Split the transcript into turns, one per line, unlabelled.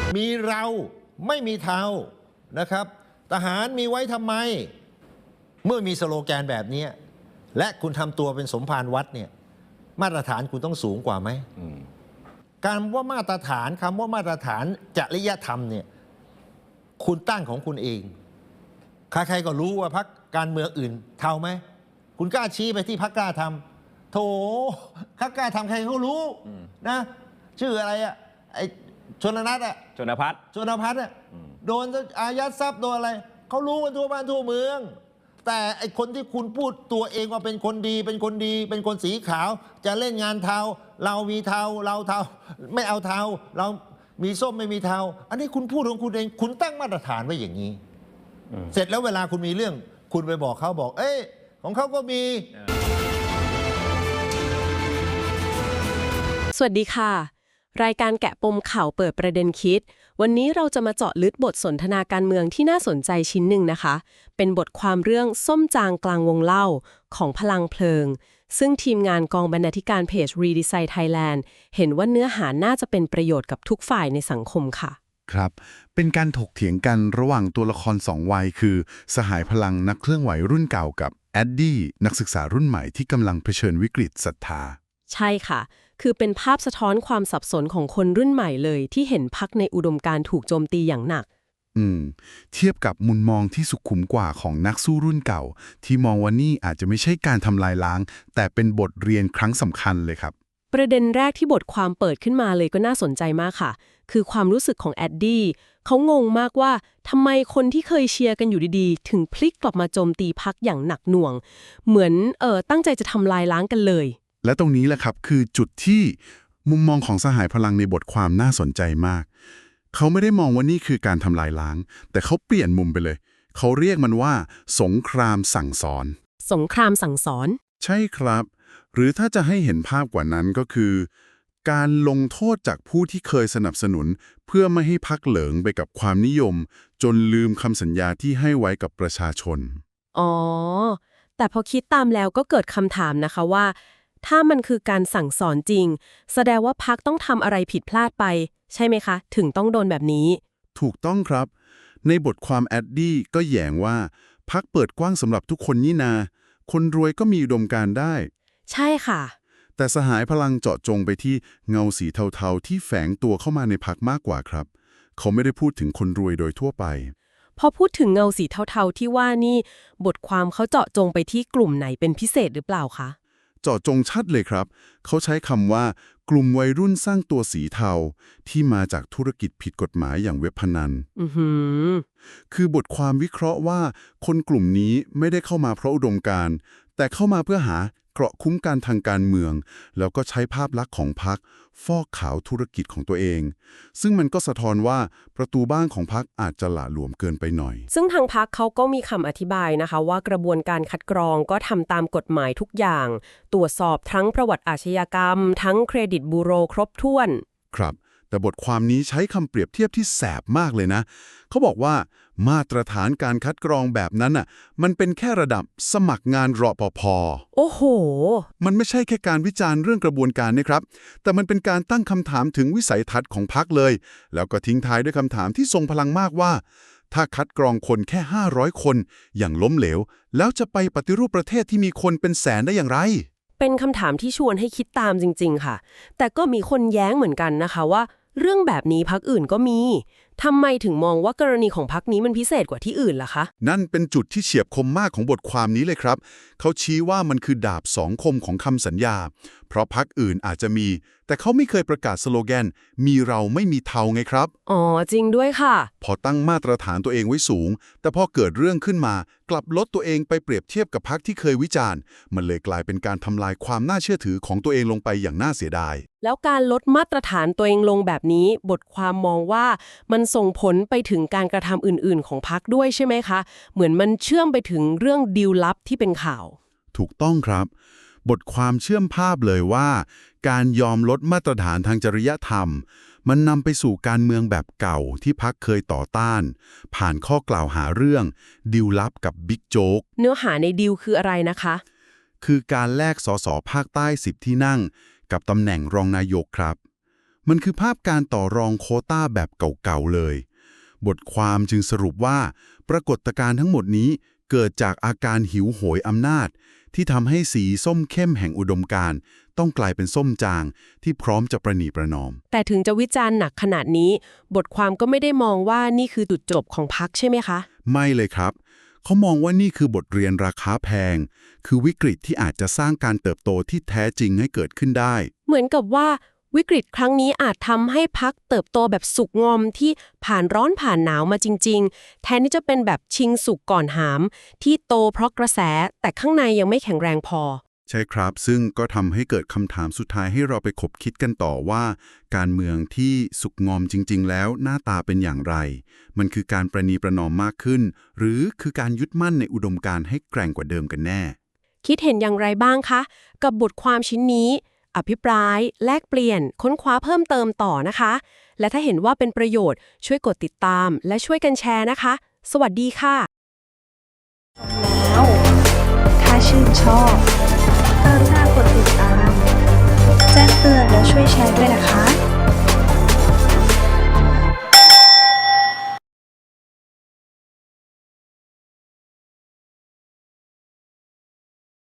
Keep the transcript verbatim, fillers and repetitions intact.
มีเราไม่มีเทานะครับทหารมีไว้ทำไมเมื่อมีสโลแกนแบบนี้และคุณทำตัวเป็นสมภารวัดเนี่ยมาตรฐานคุณต้องสูงกว่าไหมการว่ามาตรฐานคำว่ามาตรฐานจริยธรรมเนี่ยคุณตั้งของคุณเองใครๆก็รู้ว่าพรรคการเมืองอื่นเทาไหมคุณกล้าชี้ไปที่พรรคกล้าทำโถพรรคกล้าทำใครเขารู้นะชื่ออะไรอะไอชนนัทอะ
ชนพัฒน์
ชนพัฒน์อะโดนอายัดทรัพย์โดนอะไรเขารู้กันทั่วบ้านทั่วเมืองแต่ไอคนที่คุณพูดตัวเองว่าเป็นคนดีเป็นคนดีเป็นคนสีขาวจะเล่นงานเทาเรามีเทาเราเทาไม่เอาเทาเรามีส้มไม่มีเทาอันนี้คุณพูดของคุณเองคุณตั้งมาตรฐานไว้อย่างนี้เสร็จแล้วเวลาคุณมีเรื่องคุณไปบอกเขาบอกเอ้ยของเขาก็มี
สวัสดีค่ะรายการแกะปมข่าวเปิดประเด็นคิดวันนี้เราจะมาเจาะลึกบทสนทนาการเมืองที่น่าสนใจชิ้นหนึ่งนะคะเป็นบทความเรื่องส้มจางกลางวงเล่าของพลังเพลิงซึ่งทีมงานกองบรรณาธิการเพจ Redesign Thailand เห็นว่าเนื้อหาน่าจะเป็นประโยชน์กับทุกฝ่ายในสังคมค่ะ
ครับเป็นการถกเถียงกันระหว่างตัวละครสองวัยคือสหายพลังนักเคลื่อนไหวรุ่นเก่ากับแอดดี้นักศึกษารุ่นใหม่ที่กำลังเผชิญวิกฤตศรัทธา
ใช่ค่ะคือเป็นภาพสะท้อนความสับสนของคนรุ่นใหม่เลยที่เห็นพรรคในอุดมการณ์ถูกโจมตีอย่างหนัก
อืมเทียบกับมุมมองที่สุขุมกว่าของนักสู้รุ่นเก่าที่มองว่านี่อาจจะไม่ใช่การทำลายล้างแต่เป็นบทเรียนครั้งสำคัญเลยครับ
ประเด็นแรกที่บทความเปิดขึ้นมาเลยก็น่าสนใจมากค่ะคือความรู้สึกของแอดดี้เขางงมากว่าทำไมคนที่เคยเชียร์กันอยู่ดีๆถึงพลิกกลับมาโจมตีพรรคอย่างหนักหน่วงเหมือนเออตั้งใจจะทำลายล้างกันเลย
และตรงนี้แหละครับคือจุดที่มุมมองของสหายพลังในบทความน่าสนใจมากเขาไม่ได้มองว่านี่คือการทำลายล้างแต่เขาเปลี่ยนมุมไปเลยเขาเรียกมันว่าสงครามสั่งสอน
สงครามสั่งสอน
ใช่ครับหรือถ้าจะให้เห็นภาพกว่านั้นก็คือการลงโทษจากผู้ที่เคยสนับสนุนเพื่อไม่ให้พรรคเหลิงไปกับความนิยมจนลืมคำสัญญาที่ให้ไว้กับประชาชน
อ๋อแต่พอคิดตามแล้วก็เกิดคำถามนะคะว่าถ้ามันคือการสั่งสอนจริงแสดงว่าพรรคต้องทำอะไรผิดพลาดไปใช่ไหมคะถึงต้องโดนแบบนี้
ถูกต้องครับในบทความแอดดี้ก็แย้งว่าพรรคเปิดกว้างสำหรับทุกคนนี่นาคนรวยก็มีอุดมการณ์ได้
ใช่ค่ะ
แต่สหายพลังเจาะจงไปที่เงาสีเทาๆที่แฝงตัวเข้ามาในพรรคมากกว่าครับเขาไม่ได้พูดถึงคนรวยโดยทั่วไป
พอพูดถึงเงาสีเทาๆที่ว่านี่บทความเขาเจาะจงไปที่กลุ่มไหนเป็นพิเศษหรือเปล่าคะ
เจาะจงชัดเลยครับเขาใช้คำว่ากลุ่มวัยรุ่นสร้างตัวสีเทาที่มาจากธุรกิจผิดกฎหมายอย่างเว็บพนัน
อือหือ
คือบทความวิเคราะห์ว่าคนกลุ่มนี้ไม่ได้เข้ามาเพราะอุดมการณ์แต่เข้ามาเพื่อหาเกราะคุ้มกันทางการเมืองแล้วก็ใช้ภาพลักษณ์ของพรรคฟอกขาวธุรกิจของตัวเองซึ่งมันก็สะท้อนว่าประตูบ้านของพรรคอาจจะหละหลวมเกินไปหน่อย
ซึ่งทางพรรคเขาก็มีคำอธิบายนะคะว่ากระบวนการคัดกรองก็ทำตามกฎหมายทุกอย่างตรวจสอบทั้งประวัติอาชญากรรมทั้งเครดิตบูโรครบถ้วน
ครับแต่บทความนี้ใช้คำเปรียบเทียบที่แสบมากเลยนะเขาบอกว่ามาตรฐานการคัดกรองแบบนั้นน่ะมันเป็นแค่ระดับสมัครงานรปภ.
โอ้โห
มันไม่ใช่แค่การวิจารณ์เรื่องกระบวนการนะครับแต่มันเป็นการตั้งคำถามถึงวิสัยทัศน์ของพรรคเลยแล้วก็ทิ้งท้ายด้วยคำถามที่ทรงพลังมากว่าถ้าคัดกรองคนแค่ห้าร้อยคนอย่างล้มเหลวแล้วจะไปปฏิรูปประเทศที่มีคนเป็นแสนได้อย่างไร
เป็นคำถามที่ชวนให้คิดตามจริงๆค่ะแต่ก็มีคนแย้งเหมือนกันนะคะว่าเรื่องแบบนี้พรรคอื่นก็มีทำไมถึงมองว่ากรณีของพรรคนี้มันพิเศษกว่าที่อื่นล่ะคะ
นั่นเป็นจุดที่เฉียบคมมากของบทความนี้เลยครับเขาชี้ว่ามันคือดาบสองคมของคำสัญญาเพราะพรรคอื่นอาจจะมีแต่เขาไม่เคยประกาศสโลแกนมีเราไม่มีเทาไงครับ
อ๋อจริงด้วยค่ะ
พอตั้งมาตรฐานตัวเองไว้สูงแต่พอเกิดเรื่องขึ้นมากลับลดตัวเองไปเปรียบเทียบกับพรรคที่เคยวิจารณ์มันเลยกลายเป็นการทำลายความน่าเชื่อถือของตัวเองลงไปอย่างน่าเสียดาย
แล้วการลดมาตรฐานตัวเองลงแบบนี้บทความมองว่ามันส่งผลไปถึงการกระทำอื่นๆของพรรคด้วยใช่ไหมคะเหมือนมันเชื่อมไปถึงเรื่องดีลลับที่เป็นข่าว
ถูกต้องครับบทความเชื่อมภาพเลยว่าการยอมลดมาตรฐานทางจริยธรรมมันนำไปสู่การเมืองแบบเก่าที่พรรคเคยต่อต้านผ่านข้อกล่าวหาเรื่องดีลลับกับบิ๊กโจ๊ก
เนื้อหาในดีลคืออะไรนะคะ
คือการแลกสสภาคใต้สิบที่นั่งกับตำแหน่งรองนายกครับมันคือภาพการต่อรองโควต้าแบบเก่าๆเลย บทความจึงสรุปว่าปรากฏการณ์ทั้งหมดนี้เกิดจากอาการหิวโหยอำนาจ ที่ทำให้สีส้มเข้มแห่งอุดมการณ์ต้องกลายเป็นส้มจางที่พร้อมจะประนีประนอม
แต่ถึงจะวิจารณ์หนักขนาดนี้ บทความก็ไม่ได้มองว่านี่คือจุดจบของพรรคใช่ไหมคะ
ไม่เลยครับ เขามองว่านี่คือบทเรียนราคาแพง คือวิกฤตที่อาจจะสร้างการเติบโตที่แท้จริงให้เกิดขึ้นได้
เหมือนกับว่าวิกฤตครั้งนี้อาจทำให้พรรคเติบโตแบบสุกงอมที่ผ่านร้อนผ่านหนาวมาจริงๆ แทนที่จะเป็นแบบชิงสุกก่อนหาม ที่โตเพราะกระแสแต่ข้างในยังไม่แข็งแรงพอ
ใช่ครับ ซึ่งก็ทำให้เกิดคำถามสุดท้ายให้เราไปคบคิดกันต่อว่า การเมืองที่สุกงอมจริงๆ แล้วหน้าตาเป็นอย่างไร มันคือการประนีประนอมมากขึ้น หรือคือการยึดมั่นในอุดมการณ์ให้แกร่งกว่าเดิมกันแน่
คิดเห็นอย่างไรบ้างคะ กับบทความชิ้นนี้ อภิปราย แลกเปลี่ยน ค้นคว้าเพิ่มเติมต่อนะคะ และถ้าเห็นว่าเป็นประโยชน์ช่วยกดติดตาม และช่วยกันแชร์นะคะ สวัสดีค่ะ
แล้วถ้าชื่นชอบกรุณากดติดตาม แจ้งเตือนและช่วยแชร์ด้วยนะคะ